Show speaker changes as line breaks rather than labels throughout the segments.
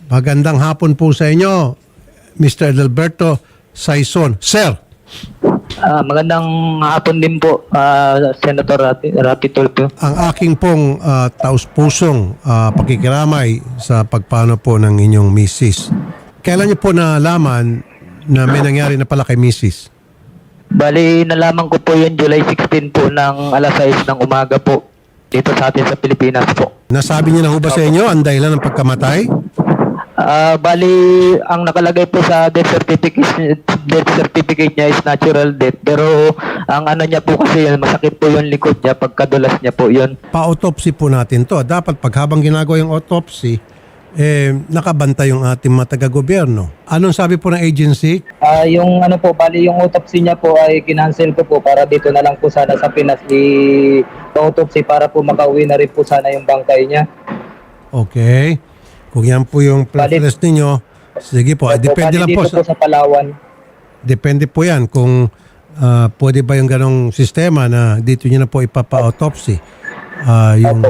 Magandang hapon po sa inyo, Mr. Edelberto Saison. Sir,
Magandang hapon din po, Senator Rapi Tulfo.
ang aking pong taus-pusong pakikiramay sa pagpano po ng inyong misis. Kailan niyo po nalaman na may nangyari na pala kay misis?
Bali, nalaman ko po yun July 16 po ng alas 6 ng umaga po dito sa atin sa Pilipinas po.
Nasabi niyo na ho ba sa inyo ang dahilan ng pagkamatay?
Bali, ang nakalagay po sa death certificate niya is natural death. Pero ang ano niya po kasi yun, masakit po yung likod niya, pagkadulas niya po yun.
Pa-autopsy po natin to. Dapat pag habang ginagawa yung autopsy, nakabantay yung ating mga taga-gobyerno. Anong sabi po ng agency?
Yung ano po, bali yung autopsy niya po ay kinancel ko po para dito na lang po sana sa Pinas i-autopsy para po makauwi na rin po sana yung bangkay niya.
Okay. Kung yan po yung preference ninyo, sige po. Depende lang po.
Dito po sa Palawan.
Depende po yan kung pwede ba yung ganong sistema na dito nyo na po ipapa-autopsy yung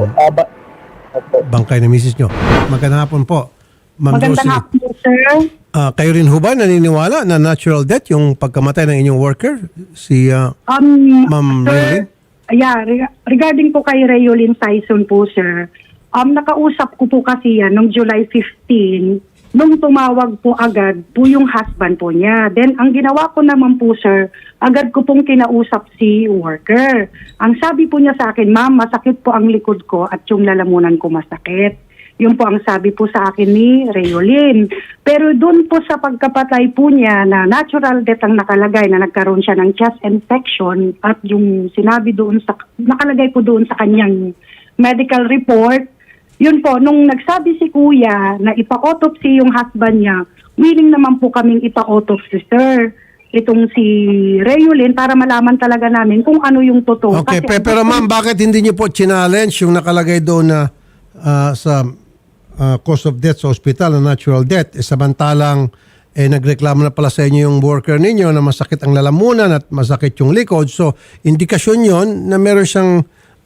bangkay na misis nyo. Magandang hapon po. Ma'am
Magandang
Josie.
hapon po, sir.
Kayo rin ho ba naniniwala na natural death yung pagkamatay ng inyong worker? Si Ma'am Raylene?
Yeah, regarding po kay Rayolyn Saison po, sir. Nakausap ko po kasi yan noong July 15, nung tumawag po agad po yung husband po niya. Then, ang ginawa ko naman po, sir, agad ko pong kinausap si worker. Ang sabi po niya sa akin, ma'am, masakit po ang likod ko at yung lalamunan ko masakit. Yun po ang sabi po sa akin ni Rayolyn. Pero doon po sa pagkapatay po niya na natural death ang nakalagay na nagkaroon siya ng chest infection at yung sinabi doon sa, nakalagay po doon sa kanyang medical report, yun po, nung nagsabi si kuya na ipa-autopsy yung husband niya, willing naman po kaming ipa-autopsy, sir. Itong si Rayolyn para malaman talaga namin kung ano yung totoo.
Okay,
Kasi,
pero ma'am, bakit hindi niyo po challenge yung nakalagay doon na sa cause of death sa ospital na natural death? Samantalang nagreklamo na pala sa inyo yung worker ninyo na masakit ang lalamunan at masakit yung likod. So, indikasyon yon na meron siyang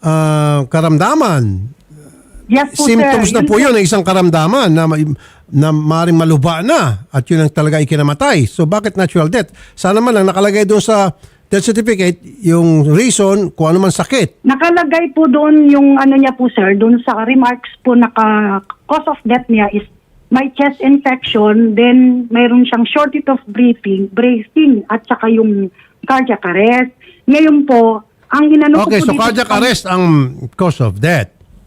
karamdaman.
yes po,
Symptoms
sir.
na po yun ng isang karamdaman na maaaring maluba na at yun ang talaga ikinamatay. So bakit natural death? Sana man lang nakalagay doon sa death certificate yung reason kung ano man sakit.
Nakalagay po doon yung ano niya po, sir, doon sa remarks po cause of death niya is may chest infection, then mayroon siyang shortness of breathing at saka yung cardiac arrest. Ngayon po, ang inano
Okay,
ko po
so
dito
cardiac arrest ang cause of death.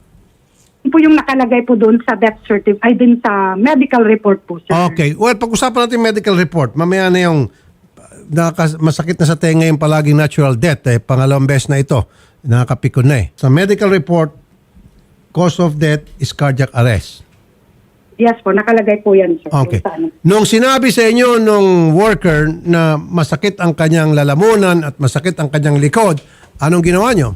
po yung nakalagay po doon sa death certificate, ay din sa medical report po, sir.
Okay. Well, pag-usapan natin yung medical report. Mamaya na yung masakit na sa tenga yung palaging natural death. Pangalawang beses na ito. Nakakapikon na eh. Sa medical report, cause of death is cardiac arrest.
Yes po, nakalagay po yan, sir.
Okay.
Yung sa ano.
Nung sinabi sa inyo nung worker na masakit ang kanyang lalamunan at masakit ang kanyang likod, anong ginawa nyo?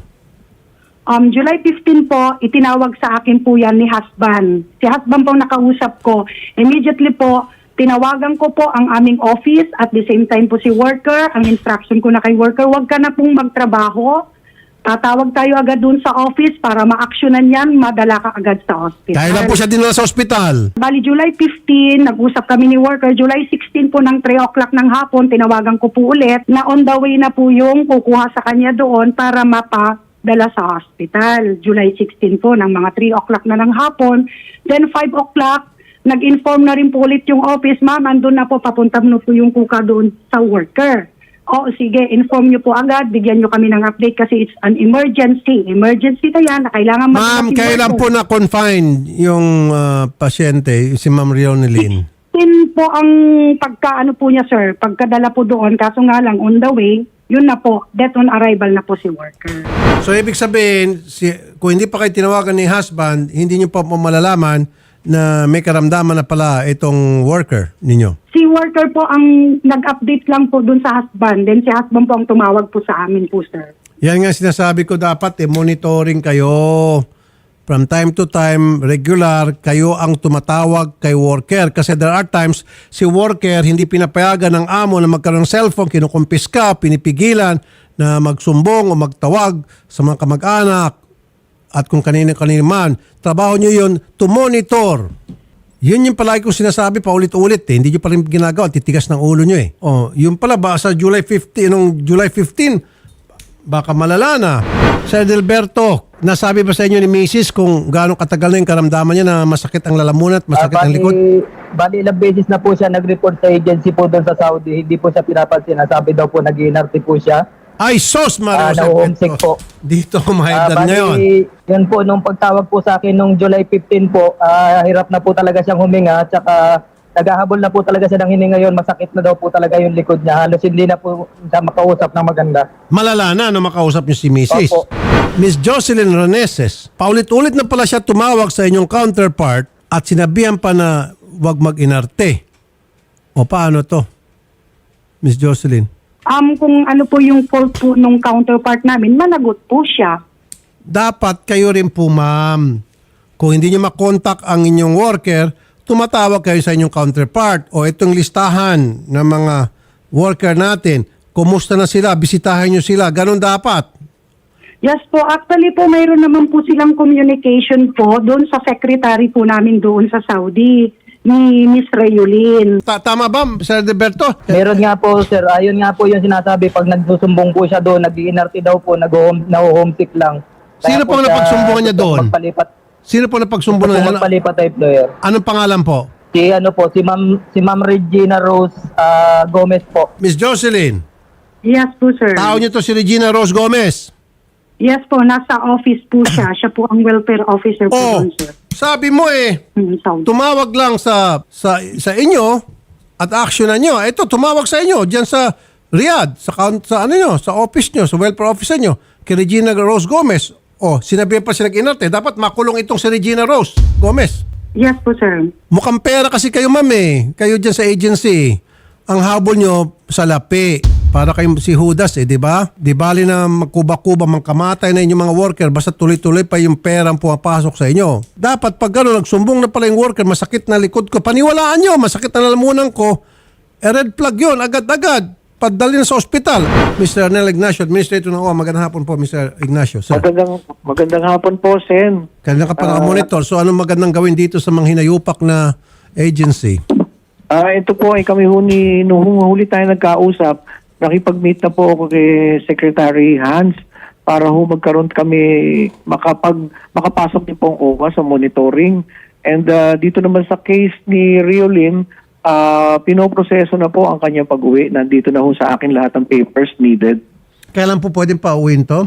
July 15 po, itinawag sa akin po yan ni husband. Si husband po nakausap ko. Immediately po, tinawagan ko po ang aming office at the same time po si worker. Ang instruction ko na kay worker, huwag ka na pong magtrabaho. Tatawag tayo agad dun sa office para ma-actionan yan, madala ka agad sa hospital.
Dahil lang po siya dinala sa ospital.
Bali, July 15, nag-usap kami ni worker. July 16 po ng 3 o'clock ng hapon, tinawagan ko po ulit na on the way na po yung kukuha sa kanya doon para mapadala sa hospital. July 16 po ng mga 3 o'clock na ng hapon. Then 5 o'clock, nag-inform na rin po ulit yung office, ma'am, andun na po, papunta mo po yung kuka doon sa worker. O sige, inform nyo po agad, bigyan nyo kami ng update kasi it's an emergency. Emergency na yan, na kailangan
Ma'am, kailan po na-confine yung pasyente, si Ma'am Rionelyn?
Yun po ang pagkaano po niya, sir, pagkadala po doon, kaso nga lang on the way, yun na po, death on arrival na po si worker.
So, ibig sabihin, kung hindi pa kayo tinawagan ni husband, hindi nyo pa malalaman na may karamdaman na pala itong worker ninyo.
Si worker po ang nag-update lang po dun sa husband, then si husband po ang tumawag po sa amin po, sir.
Yan nga sinasabi ko dapat, monitoring kayo. From time to time, regular, kayo ang tumatawag kay worker. Kasi there are times, si worker hindi pinapayagan ng amo na magkaroon ng cellphone, kinukumpiska, pinipigilan na magsumbong o magtawag sa mga kamag-anak at kung kanina man. Trabaho nyo yun to monitor Yun yung palagi kong sinasabi paulit-ulit eh. Hindi nyo pa rin ginagawa. Titigas ng ulo nyo eh. Oh, yun pala ba sa July 15, nung July 15, baka malala na. Sir Delberto, nasabi ba sa inyo ni Mrs. kung gaano katagal na yung karamdaman niya na masakit ang lalamunan at masakit ang likod?
Bali, ilang beses na po siya nag-report sa agency po doon sa Saudi. Hindi po siya pinapansin. Sabi daw po nag-inarte po siya.
Ay, sos, Mario
Na-homesick po.
Dito, mahigdan ngayon.
Yun po, nung pagtawag po sa akin nung July 15 po, hirap na po talaga siyang huminga. Tsaka naghahabol na po talaga siya ng hininga yun. Masakit na daw po talaga yung likod niya. Halos hindi na po siya makausap ng maganda.
Malala na makausap niyo si Mrs.
Opo.
Miss Jocelyn Reneses, paulit-ulit na pala siya tumawag sa inyong counterpart at sinabihan pa na wag mag-inarte. O paano to, Miss Jocelyn?
Kung ano po yung fault po nung counterpart namin, managot po siya.
Dapat kayo rin po, ma'am. Kung hindi niyo makontak ang inyong worker, tumatawag kayo sa inyong counterpart o itong listahan ng mga worker natin. Kumusta na sila? Bisitahin niyo sila. Ganon dapat.
Yes po, actually po mayroon naman po silang communication po doon sa secretary po namin doon sa Saudi, ni Miss Rayolin.
Tama ba, Sir Deberto?
Meron nga po, sir. Ayun nga po yung sinasabi. Pag nagsusumbong po siya doon, nag-iinarte daw po, na-homesick lang.
Sino po
siya
napagsumbukan niya doon?
Magpalipat.
Sino po napagsumbukan niya?
Magpalipat sa employer.
Anong pangalan po?
Si Ma'am Regina Rose Gomez po.
Miss Jocelyn,
Yes po, sir.
tao niyo to si Regina Rose Gomez.
Yes po, nasa office po siya. Siya po ang welfare officer po
Oh,
doon, sir.
sabi mo eh,
Saudi.
tumawag lang sa inyo at actionan nyo. Ito, tumawag sa inyo diyan sa Riyadh, sa ano nyo, sa office nyo, sa welfare officer nyo, kay Regina Rose Gomez. Oh, sinabi pa sila inarte, dapat makulong itong si Regina Rose Gomez.
Yes po, sir.
Mukhang pera kasi kayo, ma'am eh. Kayo dyan sa agency. Ang habol nyo sa lapi. Para kayo si Judas eh, di ba? Di bali na magkuba-kuba, mangkamatay na inyong mga worker, basta tuloy-tuloy pa yung perang pumapasok sa inyo. Dapat pag gano'n, nagsumbong na pala yung worker, masakit na likod ko, paniwalaan nyo, masakit na lalamunan ko, red flag yun, agad-agad. Padali na sa ospital. Mr. Arnel Ignacio, Administrator ng OWA, magandang hapon po, Mr. Ignacio. Sir,
Magandang hapon po, Sen.
kanina ka pa monitor. So anong magandang gawin dito sa mga hinayupak na agency?
Ito po ay kami nung huli tayo nagkausap, nakipag-meet na po ako kay Secretary Hans para magkaroon kami makapasok din po ang OWA sa monitoring. And dito naman sa case ni Riolin, pinoproseso na po ang kanyang pag-uwi. Nandito na sa akin lahat ng papers needed.
Kailan po pwedeng pauwiin to?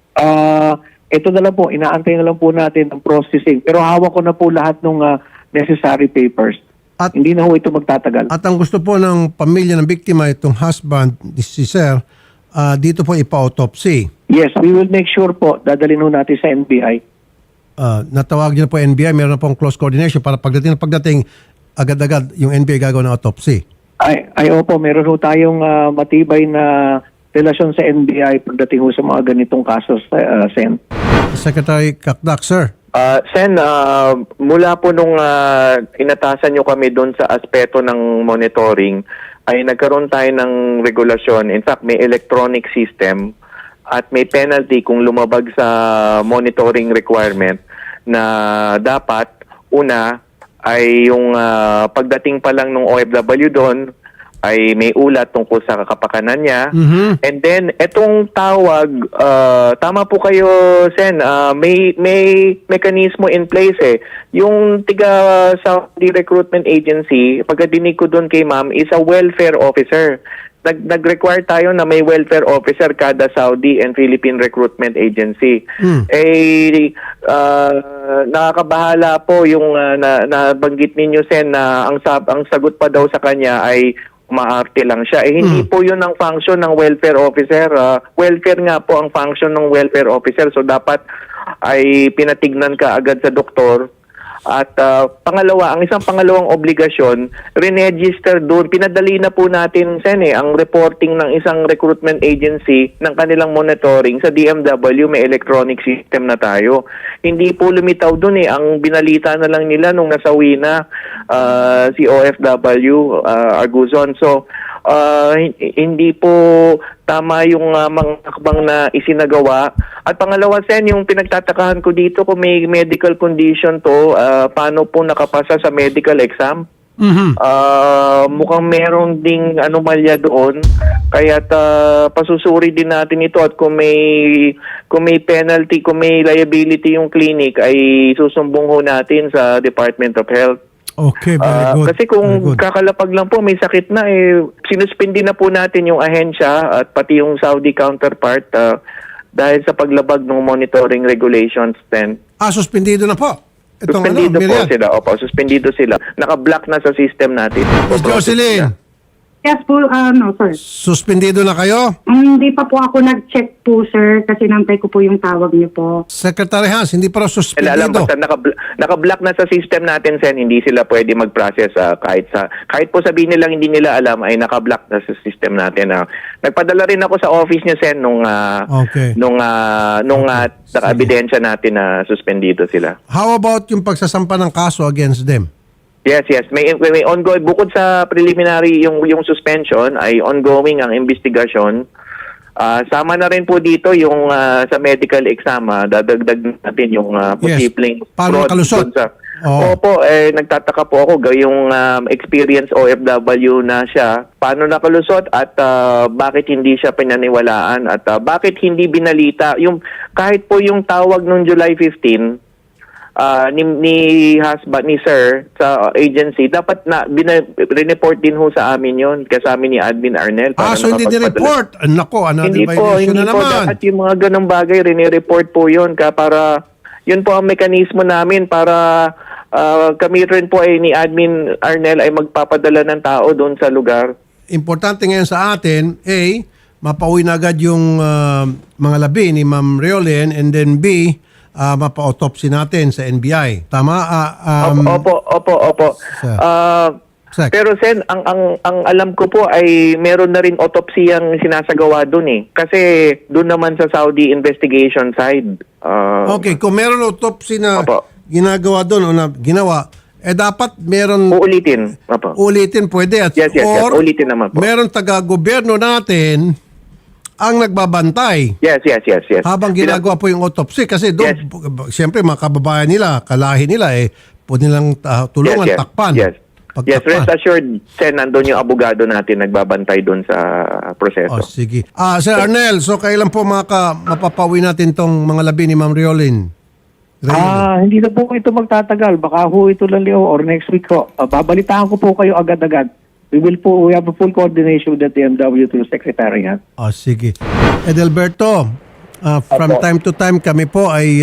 Ito na lang po, inaantay na lang po natin ang processing. Pero hawak ko na po lahat ng necessary papers.
At
Hindi na ito magtatagal.
At ang gusto po ng pamilya ng biktima, itong husband, si Sir, dito po ipa-autopsy.
Yes, we will make sure po, dadalhin natin sa NBI.
Natawag niyo na po NBI, meron na pong close coordination para pagdating, agad-agad yung NBI gagawin ng autopsy.
Ay opo, meron tayong matibay na relasyon sa NBI pagdating sa mga ganitong kasos, Sen.
Secretary Kakdak, sir.
Sen, mula po nung inatasan nyo kami doon sa aspeto ng monitoring, ay nagkaroon tayo ng regulasyon. In fact, may electronic system at may penalty kung lumabag sa monitoring requirement na dapat, una, ay yung pagdating pa lang ng OFW doon, ay may ulat tungkol sa kapakanan niya.
Mhm.
And then, etong tawag, tama po kayo, Sen, may mekanismo in place eh. Yung tiga Saudi Recruitment Agency, pagkadinig ko doon kay ma'am, is a welfare officer. Nag-require tayo na may welfare officer kada Saudi and Philippine Recruitment Agency. Nakakabahala po yung nabanggit ninyo, Sen, na ang sagot pa daw sa kanya ay umaarte lang siya. Hindi po yun ang function ng welfare officer. Welfare nga po ang function ng welfare officer. So dapat ay pinatignan ka agad sa doktor. At pangalawa, ang isang pangalawang obligasyon, re-register doon. Pinadali na po natin, Sen, ang reporting ng isang recruitment agency ng kanilang monitoring sa DMW, may electronic system na tayo. Hindi po lumitaw doon ang binalita na lang nila nung nasawi na si OFW Arguzon. So, hindi po tama yung mga hakbang na isinagawa. At pangalawa, Sen, yung pinagtatakahan ko dito kung may medical condition to, paano po nakapasa sa medical exam? Mukhang meron ding anomalya doon, kaya pasusuri din natin ito, at kung may penalty, kung may liability yung clinic, ay susumbong ho natin sa Department of Health.
Okay, very good.
Kasi
Very
kung
good.
kakalapag lang po, may sakit na, sinuspindi na po natin yung ahensya at pati yung Saudi counterpart dahil sa paglabag ng monitoring regulations then.
Suspendido na po. Itong
Suspendido po
Miriam.
sila. Opo, suspendido sila. Naka-block na sa system natin.
Miss Jocelyn,
Yes po, sir.
suspendido na kayo?
Hindi pa po ako nag-check po, sir, kasi nantay ko po yung tawag niyo po.
Secretary Hans, hindi pa raw
Alam,
suspendido.
basta naka-block na sa system natin, Sen, hindi sila pwede mag-process kahit po sabihin nilang hindi nila alam, ay naka-block na sa system natin. Nagpadala rin ako sa office niya, Sen, nung
Okay.
naka-ebidensya natin na suspendido sila.
How about yung pagsasampa ng kaso against them?
Yes. May ongoing, bukod sa preliminary yung suspension, ay ongoing ang investigasyon. Sama na rin po dito yung sa medical exam, dadagdag natin yung posibleng
Paano
fraud
nakalusot?
dun sa.
Oo.
Opo, nagtataka po ako yung experience OFW na siya. Paano nakalusot at bakit hindi siya pinaniwalaan at bakit hindi binalita yung kahit po yung tawag nung July 15 ni husband ni sir sa agency, dapat na report din ho sa amin yon, kasama ni Admin Arnel.
So hindi ni-report. Nako, another
Hindi po,
violation
hindi
na
po.
naman.
Dapat yung mga ganong bagay, rini-report po yun para, yun po ang mekanismo namin para kami rin po ni Admin Arnel ay magpapadala ng tao doon sa lugar.
Importante ngayon sa atin, A, mapauwi na agad yung mga labi ni Ma'am Reolyn, and then B, mapa-autopsy natin sa NBI. Tama?
Opo.
Sec.
Pero Sen, ang alam ko po ay meron na rin autopsy ang sinasagawa doon Kasi doon naman sa Saudi investigation side.
Okay, kung meron autopsy na
Opo.
ginagawa doon o na ginawa, dapat meron
Uulitin. Opo.
ulitin pwede. At,
Yes.
or
Ulitin naman po.
meron taga-gobyerno natin ang nagbabantay
Yes.
habang ginagawa po yung autopsy. Kasi doon, siyempre mga kababayan nila, kalahi nila, po nilang tulungan, takpan.
Yes,
Pagtakpan.
rest assured, Sen, nandun yung abogado natin nagbabantay doon sa proseso.
Sige. Sir Arnel, so kailan po mapapawi natin tong mga labi ni Ma'am Reolyn?
Hindi na po ito magtatagal. Baka ho ito lang or next week ho. Babalitaan ko po kayo agad-agad. We have a full coordination with the DMW to the Secretariat.
Sige. Edelberto, from time to time kami po ay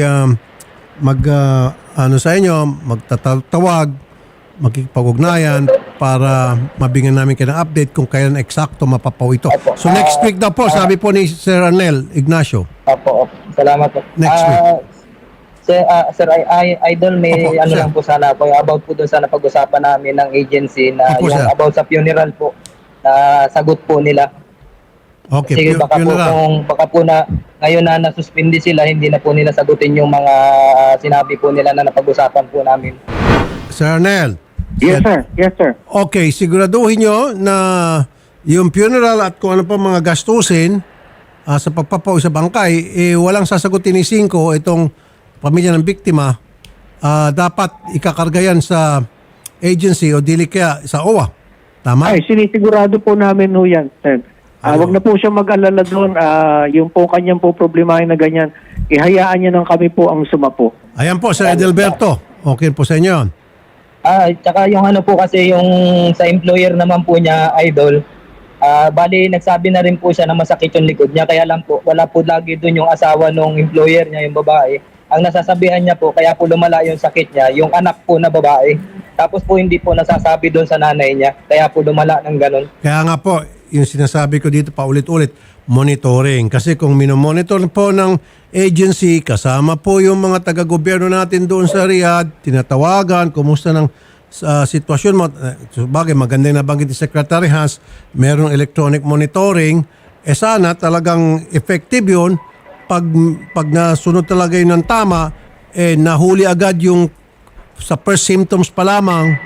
sa inyo, magtatawag, magkikipag-ugnayan para mabigyan namin kayo ng update kung kailan eksakto mapapawi ito. So next week daw po, sabi po ni Sir Arnel Ignacio.
Opo. Salamat po.
Next week.
Sir, Idol, may
Opo, sir.
lang po sana po, about po doon sa napag-usapan namin ng agency na
Opo,
yung
sir.
about sa funeral po, na sagot po nila.
Okay,
Sige, baka po na ngayon na nasuspindi sila, hindi na po nila sagutin yung mga sinabi po nila na napag-usapan po namin.
Sir Arnel.
Yes, sir.
Okay, siguraduhin nyo na yung funeral at kung ano pa mga gastusin sa pagpapawi sa bangkay, walang sasagutin ni Cinco itong pamilya ng biktima. Dapat ikakarga yan sa agency o dili kaya sa OWA. Tama?
Ay, sinisigurado po namin ho yan, sir. Wag na po siya mag-alala doon. Yung po kanyang po problemahin na ganyan, ihayaan niya ng kami po ang sumapo.
Ayan po, Sir Edelberto. Okay po sa inyo yun.
Tsaka yung ano po kasi yung sa employer naman po niya, Idol, bali nagsabi na rin po siya na masakit yung likod niya, kaya lang po wala po lagi doon yung asawa ng employer niya, yung babae. Ang nasasabihan niya po, kaya po lumala yung sakit niya, yung anak po na babae. Tapos po hindi po nasasabi doon sa nanay niya, kaya po lumala ng ganun.
Kaya nga po, yung sinasabi ko dito paulit-ulit, monitoring. Kasi kung minomonitor po ng agency, kasama po yung mga taga-gobyerno natin doon sa Riyadh, tinatawagan, kumusta ng sitwasyon mo. Bagay, maganda yung nabanggit ni Secretary Hans, merong electronic monitoring. Sana talagang effective yun. Pag nasunod talaga yun ng tama, nahuli agad yung sa first symptoms pa lamang,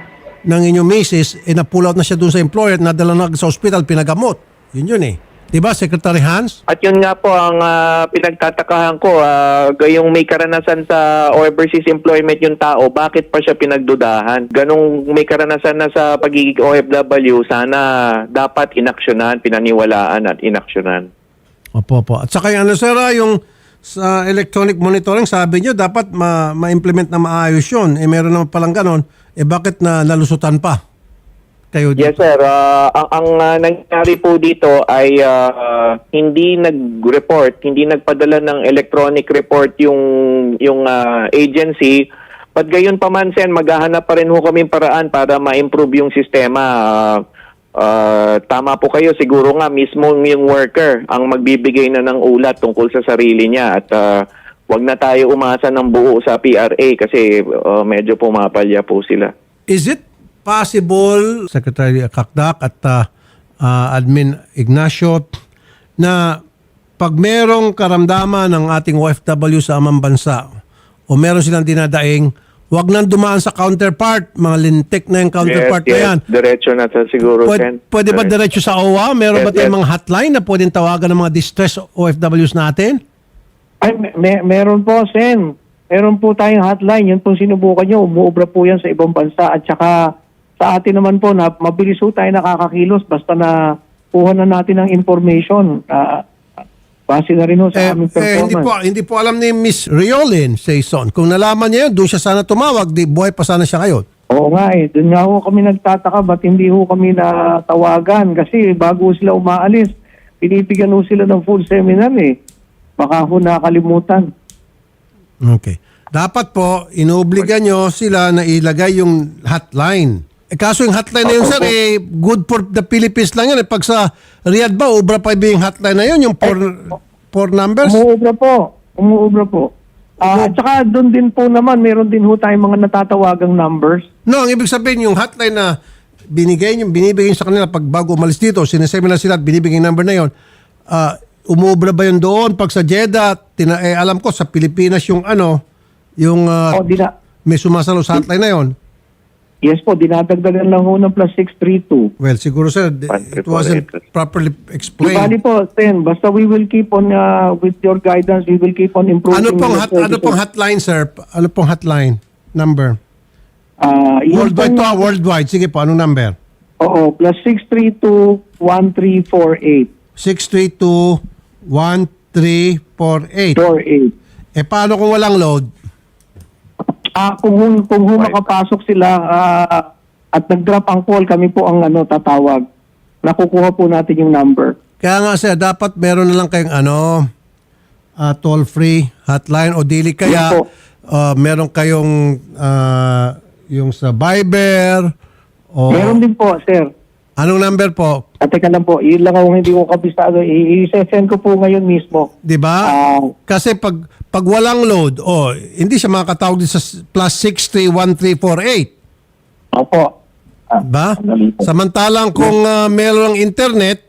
ng inyong misis, na-pull out na siya dun sa employer, nadala na sa hospital, pinagamot. Yun eh. Diba, Secretary Hans?
At yun nga po ang pinagtatakahan ko, gayong may karanasan sa overseas employment yung tao, bakit pa siya pinagdudahan? Ganong may karanasan na sa pagiging OFW, sana dapat inaksyonan, pinaniwalaan at inaksyonan.
Opo. At saka yung sir, yung sa electronic monitoring, sabi nyo, dapat ma-implement na maayos yun. Meron naman palang ganon, bakit na nalusutan pa? Kayo dito?
Yes sir, ang nangyari po dito ay hindi nag-report, hindi nagpadala ng electronic report yung agency. But gayon pa man sen, maghahanap pa rin ho kami paraan para ma-improve yung sistema. Tama po kayo, siguro nga mismo yung worker ang magbibigay na ng ulat tungkol sa sarili niya at wag na tayo umasa ng buo sa PRA kasi medyo pumapalya po sila.
Is it possible, Secretary Kakdak at Admin Ignacio, na pag merong karamdaman ng ating OFW sa amang bansa o meron silang dinadaing, wag nang dumaan sa counterpart, mga lintik na yung counterpart na yan.
Diretso na to siguro, Sen.
Pwede ba diretso sa OWA? Meron ba tayong mga hotline na pwedeng tawagan ng mga distress OFWs natin?
Ay, meron po, Sen. Meron po tayong hotline. Yun pong sinubukan nyo. Umuobra po yan sa ibang bansa. At saka sa atin naman po, na mabilis po tayo nakakakilos basta na kuha na natin ng information. Base na rin ho sa aming performance.
Hindi po alam ni Miss Riolin Saison. Kung nalaman niya yun, doon siya sana tumawag. Di buhay pa sana siya ngayon.
Oo nga eh. Doon nga ho kami nagtataka ba't hindi ho kami natawagan. Kasi bago sila umaalis, pinipigyan ho sila ng full seminar eh. Baka ho nakalimutan.
Okay. Dapat po, inuobliga nyo sila na ilagay yung hotline. Kaso yung hotline na yun, sir, good for the Philippines lang yun. Pag sa Riyadh ba, ubra pa yung hotline na yun, yung four numbers?
Umuubra po. At saka doon din po naman, meron din ho tayong mga natatawagang numbers.
No, ang ibig sabihin, yung hotline na binibigay nyo sa kanila pag bago umalis dito, sineseminar sila at binibigay yung number na yun, umuubra ba yun doon? Pag sa Jeddah, alam ko, sa Pilipinas yung may sumasalo sa hotline na yun.
Yes po, dinadagdagan lang ho ng +632.
Well, siguro sir, it wasn't properly explained.
Bali po, Sen, basta we will keep on, with your guidance, we will keep on improving.
Ano pong hotline, sir? Ano pong hotline number?
Worldwide
to worldwide. Sige po, anong number?
Oo, +632-1348.
632-1348.
48.
Paano kung walang load?
Kung makapasok sila at nag-drop ang call, kami po ang tatawag. Nakukuha po natin yung number.
Kaya nga sir, dapat meron na lang kayong toll-free hotline o dili kaya meron kayong yung sa Viber o...
Meron din po, sir.
Anong number po?
Teka lang po, yun lang kung hindi ko kabisado. I-send ko po ngayon mismo.
Diba? Kasi pag walang load, hindi siya makakatawag din sa +631-1348.
Opo.
Ba? Samantalang kung meron ng internet,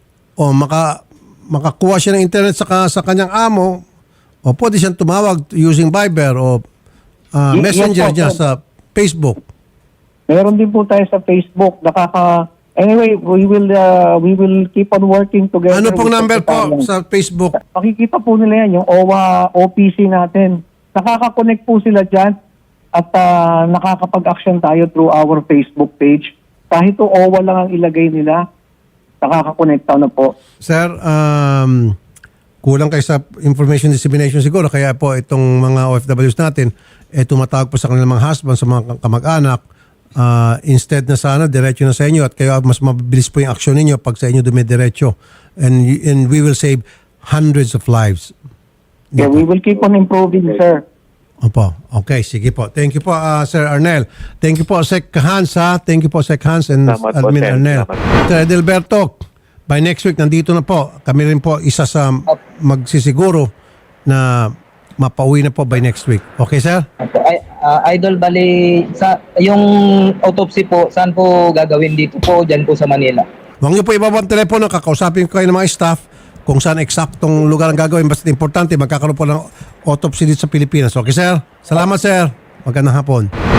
makakuha siya ng internet sa kanyang amo, pwede siyang tumawag using Viber o Messenger niya sa Facebook.
Meron din po tayo sa Facebook. Anyway, we will keep on working together.
Ano pong number po sa Facebook?
Makikita po nila yan, yung OWA OPC natin. Nakaka-connect po sila dyan at nakakapag-action tayo through our Facebook page. Kahit o OWA lang ang ilagay nila, nakaka-connect na po.
Sir, kulang kayo sa information dissemination siguro. Kaya po itong mga OFWs natin, tumatawag po sa kanilang mga husband, sa mga kamag-anak. Instead na sana diretso na sa inyo at kayo mas mabilis po yung aksyon ninyo pag sa inyo dumidiretso and we will save hundreds of lives.
Yeah, we will keep on improving, sir.
Opo. Okay, sige po. Thank you po, Sir Arnel. Thank you po, Sec Hans, ha? Thank you po, Sec Hans and
Salamat po,
Admin
Sir.
Arnel.
Salamat.
Sir Edelberto, by next week, nandito na po. Kami rin po isa sa magsisiguro na mapauwi na po by next week. Okay, sir?
Idol, bali, yung autopsy po, saan po gagawin dito po, dyan po sa Manila?
Huwag niyo po ibaba ang telepono, kakausapin ko kayo ng mga staff kung saan eksaktong lugar ang gagawin. Basta importante, magkakaroon po ng autopsy dito sa Pilipinas. Okay, sir? Salamat, sir. Magandang hapon.